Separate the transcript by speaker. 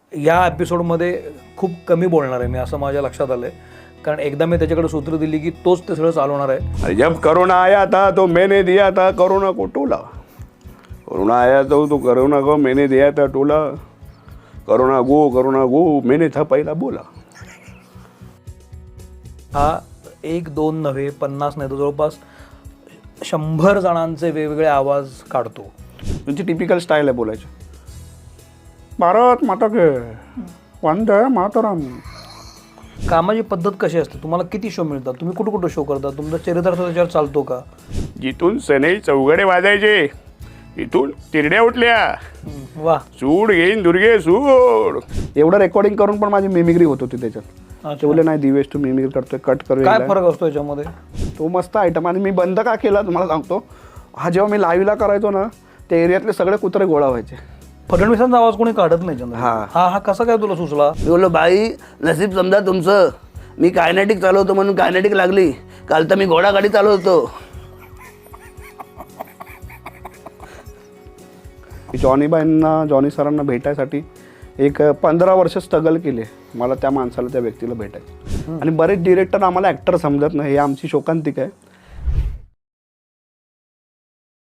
Speaker 1: या एपिसोडमध्ये खूप कमी बोलणार आहे मी, असं माझ्या लक्षात आलं आहे. कारण एकदा मी त्याच्याकडे सूत्र दिली की तोच ते सगळं चालवणार आहे.
Speaker 2: जब कोरोना आया था तो मैंने दिया था कोरोना को टोला. कोरोना आया तो कोरोना को मैंने दिया था टोला. कोरोना गो मैंने था पहिला बोला.
Speaker 1: हा 1, 2 नव्हे 50 नाही तर जवळपास 100 जणांचे वेगवेगळे आवाज काढतो.
Speaker 2: तुमची टिपिकल स्टाईल आहे बोलायची. भारत माता के वंदे मातरम.
Speaker 1: कामाची पद्धत कशी असते? तुम्हाला किती शो मिळतात? तुम्ही कुठं कुठं शो करता? तुमचा चरित्र त्याच्यावर चालतो का?
Speaker 2: जिथून सनई चौघडे वाजायचे इथून तिरड्या उठल्या.
Speaker 1: वा,
Speaker 2: सूड घेईन दुर्गे सूड. एवढं रेकॉर्डिंग करून पण माझी मिमिक्री होत होती त्याच्यात. ते बोलले नाही दिवेश तू मिमिक्री करतोय, कट करू.
Speaker 1: काय फरक असतो याच्यामध्ये?
Speaker 2: तो मस्त आयटम. आणि मी बंद का केला तुम्हाला सांगतो. हा जेव्हा मी लाईव्हला करायचो ना, त्या एरियातले सगळे कुत्रे गोळा व्हायचे.
Speaker 1: फडणवीसांचा आवाज कोणी काढत नाही चंद्र.
Speaker 2: हा.
Speaker 1: हा कसा काय तुला सुचला?
Speaker 3: मी बोललो बाई नसीब समजा तुमचं, मी कायनेटिक चालवतो म्हणून कायनेटिक लागली. काल तर मी घोडागाडी चालवतो.
Speaker 2: जॉनी सरांना भेटायसाठी एक 15 वर्ष स्ट्रगल केले मला त्या माणसाला, त्या व्यक्तीला भेटायचं. आणि बरेच डिरेक्टर आम्हाला ॲक्टर समजत नाही, हे आमची शोकांतिक आहे.